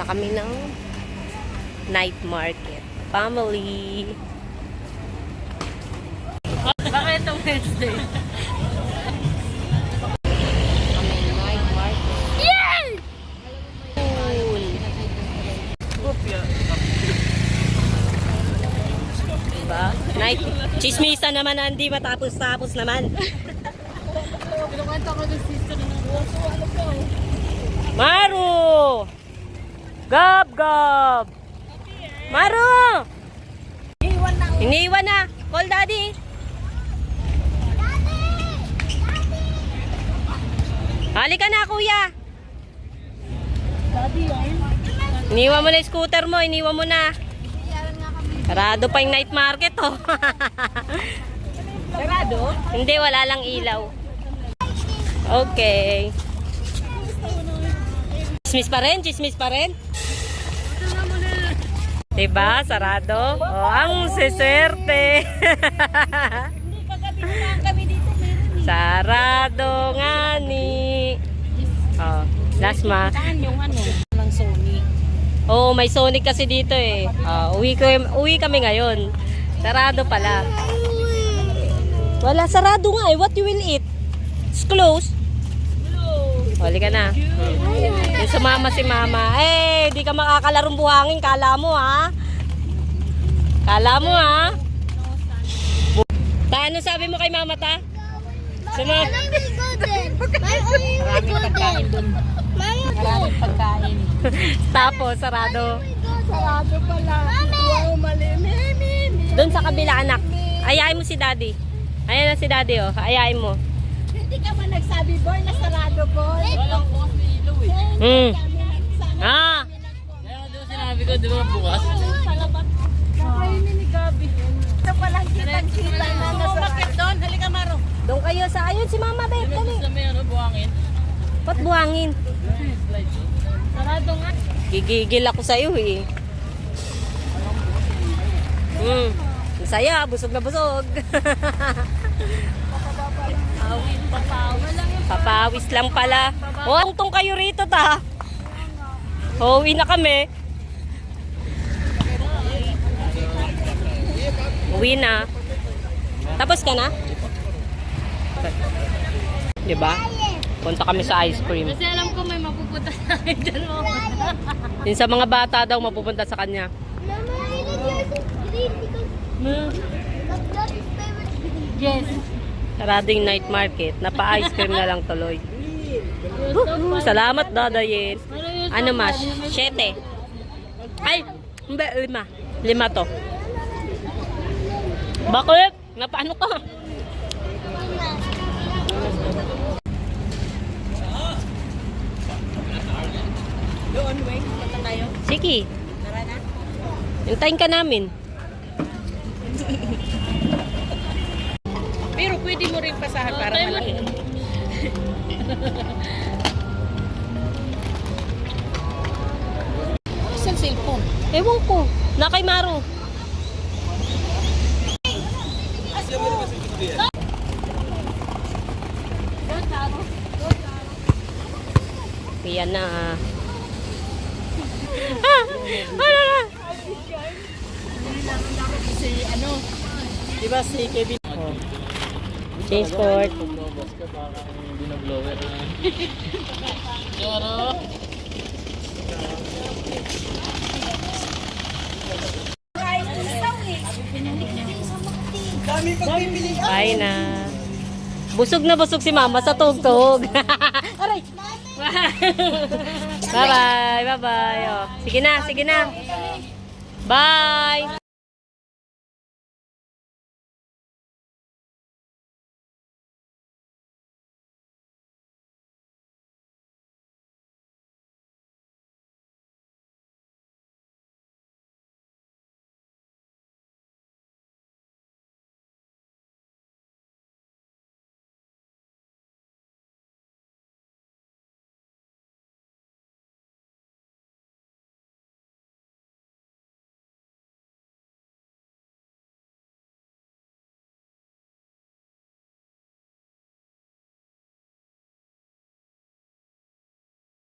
Punta kami ng night market. Family. Bakit itong Wednesday? Kami night market. Yay! Cool. Diba? Night. Chismisa naman na hindi matapos-tapos naman. Pinukanta ko ng sister ng Rosso. Ano po? Maru! Gab, gab! Maru! Iniwan na. Call daddy. Halika na, kuya. Daddy, ayun. Iniwan mo na yung scooter mo. Iniwan mo na. Sarado pa yung night market, oh. Sarado? Hindi, wala lang ilaw. Okay. Chismis pa rin? Chismis pa rin? Diba? Sarado? Oh, ang siswerte. Hindi, kagabi naman kami dito. Sarado nga ni. Oh, last ma. Saan yung ano? Ng Sony. Oo, may Sonic kasi dito eh. Uwi kami ngayon. Sarado pala. Wala, sarado nga eh. What you will eat? It's closed. Huli ka na. Yung sumama si mama. Eh, di ka makakalarong buhangin. Kala mo ha? Kala mo ha? Ta, ano sabi mo kay mama ta? Suma? Maraming pagkain dun. Maraming pagkain. Tapos, sarado. Sarado pala. Wow, mali. Doon sa kabila anak. Ayayin mo si daddy. Ayan na si daddy oh. Ayayin mo. Hindi ka ba nagsabi, boy, na sarado, boy? Walang bukas na ilaw eh. Ah! Kaya doon sinabi ko, di ba bukas? Salamat. Kakainin ni Gabi. Ito palang kitang-kita na nasarado. Doon, halika Maro. Doon kayo sa ayun si mama babe. Di ba Dali. gusto may ano, buhangin? Ba't buhangin? Sarado nga. Gigigil ako sa iyo eh. Ang saya, busog na busog. Papawis lang pala. Oh, tungtong kayo rito ta. Uwi na kami. Uwi na. Tapos ka na? Diba? Punta kami sa ice cream. Kasi alam ko may mapupunta sa akin dalawa. Yung sa mga bata daw mapupunta sa kanya. Yes. Sarado yung night market. Napa-ice cream na lang tuloy. Salamat, Dadayin. Ano mas? 7. Ay, hindi, 5. 5 to. Bakit? Napaano ka? Doon, wait. Punta tayo. Sige, Tara na. hintayin ka namin. Pero pwede mo rin pasahan para malaki. Isang cellphone. Ewan ko. Na kay Maru. Yan na. Si ano? Diba si Kevin? Change court. Lumabas ka, parang binablower na. Pero, Bye na. Busog na busog si mama sa tugtog. Aray! Bye-bye. Bye-bye. Oh. Sige na, sige na. Bye!